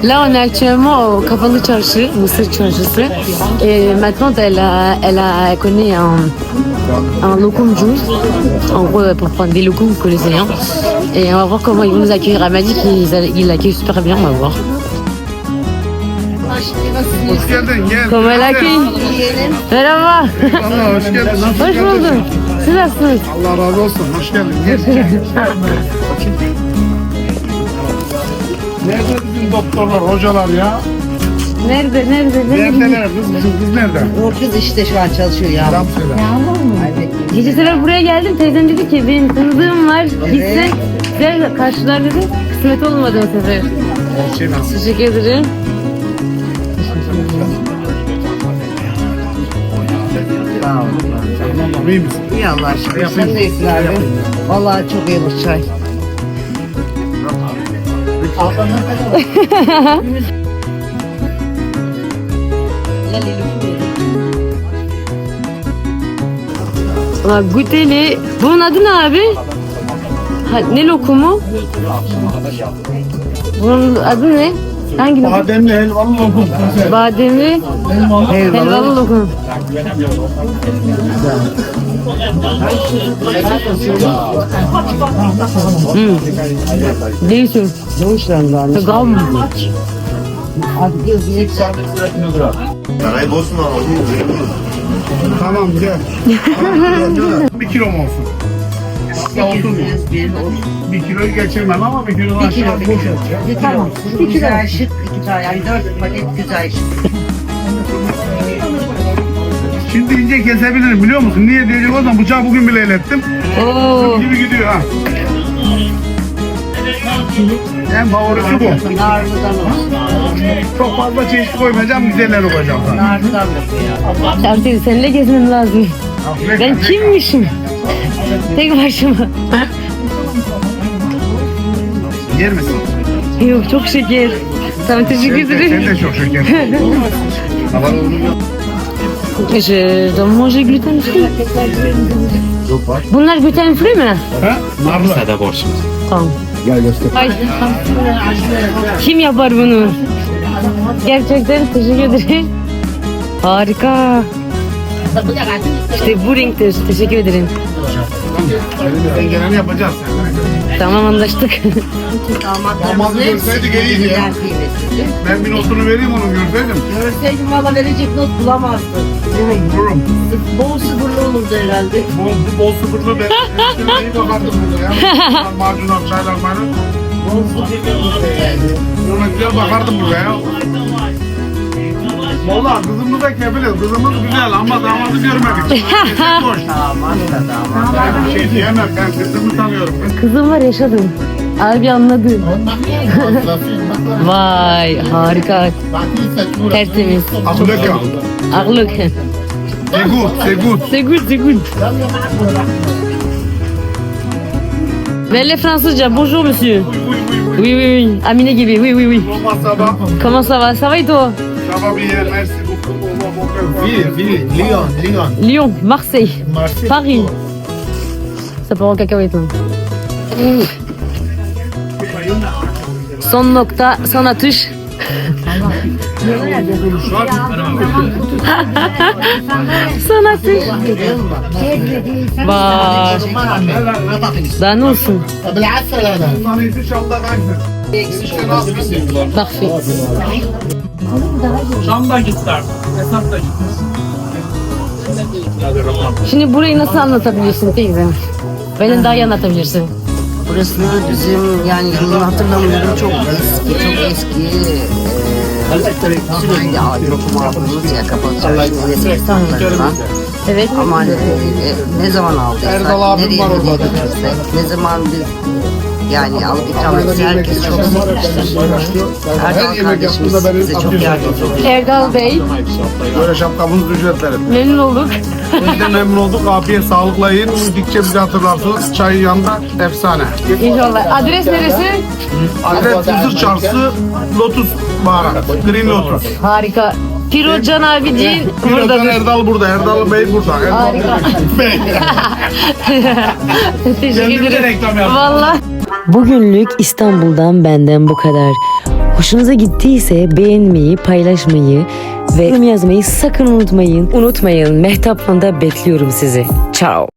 Là, on est actuellement au Kapalı Çarşı, Mısır Çarşısı. Et maintenant, elle connaît un locumcu, en gros, pour prendre des locums, vous connaissez rien. Et on va voir comment ils vont nous accueillir. Elle m'a dit qu'ils l'accueillent super bien, on va voir. Hoş geldin, gel. Comment elle accueille? Merhaba. Allah hoş geldin. Nasılsın? Hoş buldum. Siz nasılsınız? Allah razı olsun. Hoş geldin. Gel. Nerede bizim doktorlar, hocalar ya? Nerede? Neredeler kız? Bizim kız nerede? O kız işte şu an çalışıyor ya. Selam söyle. Gece sefer buraya geldim. Teyzem dedi ki benim tanıdığım var. Gitsin. Size karşılar dedi. Kısmet olmadı o sefer. Şey nasıl? Teşekkür ederim. Tamam, iyi misin? İyi Allah aşkına. Sen de iyisin abi. Vallahi çok iyi bu çay. Guteli. Bunun adı ne abi? Ha, ne lokumu? Bunun adı ne? Hangi lokum? Bademli helvalı lokum. Bademli helvalı lokum. Değişim. Gam. Tamam gel. 1 kilo mu olsun? Hatta 30 mu? 1 kiloyu geçirmem ama 1 kilo aşağı boş olacak. Tamam. Güzel şık. İki tane yani 4 paket güzel şık. Şimdi ince kesebilirim biliyor musun? Niye diyecek o zaman bıçağı bugün bile elettim. Oo. Gibi gidiyor ha. En favorisi bu. Narlıdan olsun. Çok fazla çeşit koymayacağım, güzelleri koyacağım sana. Narlıdan da koyalım. Artık seninle gezmem lazım. Ben kimmişim? Tek başıma. Yer misin? Yok çok şeker. Tamam teşekkür Sen ederim. de çok şeker. Je dois manger gluten free. Bunlar gluten free mi? Ha? Narlı. Tamam. Gel göster. Ay. Kim yapar bunu? Gerçekten teşekkür ederim. Harika. İşte bu renktir. Teşekkür ederim. Elimizden geleni yapacağız. Tamam anlaştık. Damadı görseydik iyiydi ya. Ben bir notunu vereyim onun görseydim. Görseydim valla verecek not bulamazdım. Vururum. Bol sıfırlı olurdu herhalde. Bol sıfırlı ben. Ben iyi bakardım burada ya. Macunlar, çaylar, maylar. Bol sıfırlı olurdu herhalde. Ona güzel bakardım burada ya. Valla kızımız da kefiliz. Kızımız güzel ama damadı görmedik. Kesin boş. Tamam da Ben bir şey diyemem. Ben kızımı tanıyorum. Kızım var yaşadım. Abi anladı. Vay harika. Tertemiz. Abdülhakim. Ağlık. C'est good, c'est good. C'est good, c'est good. Verle Fransızca. Bonjour monsieur. Oui, oui, oui. Amine gibi. Oui, oui, oui. Olmaz sabah. Comment ça va? Ça va et toi? Sabah bir yer. Merci beaucoup. Lyon. Lyon, Marseille, Paris. Ça part en cacahuète. Son nokta, son atış. Son atış. Bak. Daha ne olsun? Sana inşallah ben. Parfait. Şam'da gittiler. Esat da gitti. Şimdi burayı nasıl anlatabilirsin teyze? Benden daha iyi anlatabilirsin. Burası bizim yani yılını hatırlamıyorum çok eski sürekli lokum aldığımız ya kapalı çarşının eski standlarından. Evet. Ama ne zaman aldıysak, Erdal abim nereye var orada. götürürsek, ne zaman biz yani alıp ikram etse herkes çok sevmiştir. Erdal kardeşimiz bize çok yardımcı oluyor. Erdal Bey, Böyle şapkamızı ücretlerim. memnun olduk. Biz de memnun olduk. Afiyet sağlıkla yiyin. Gidikçe bizi hatırlarsınız. Çayın yanında efsane. İnşallah. Adres neresi? Adres Mısır Çarşısı Lotus Baharat. Green Lotus. Harika. Pirocan abiciğin Birazdan buradadır. Erdal burada. Erdal Bey burada. Erdal Harika. Bey. Teşekkür Kendimize ederim. reklam yaptık. Valla. Bugünlük İstanbul'dan benden bu kadar. Hoşunuza gittiyse beğenmeyi, paylaşmayı ve yorum yazmayı sakın unutmayın. Unutmayın, Mehtap'la da bekliyorum sizi. Ciao.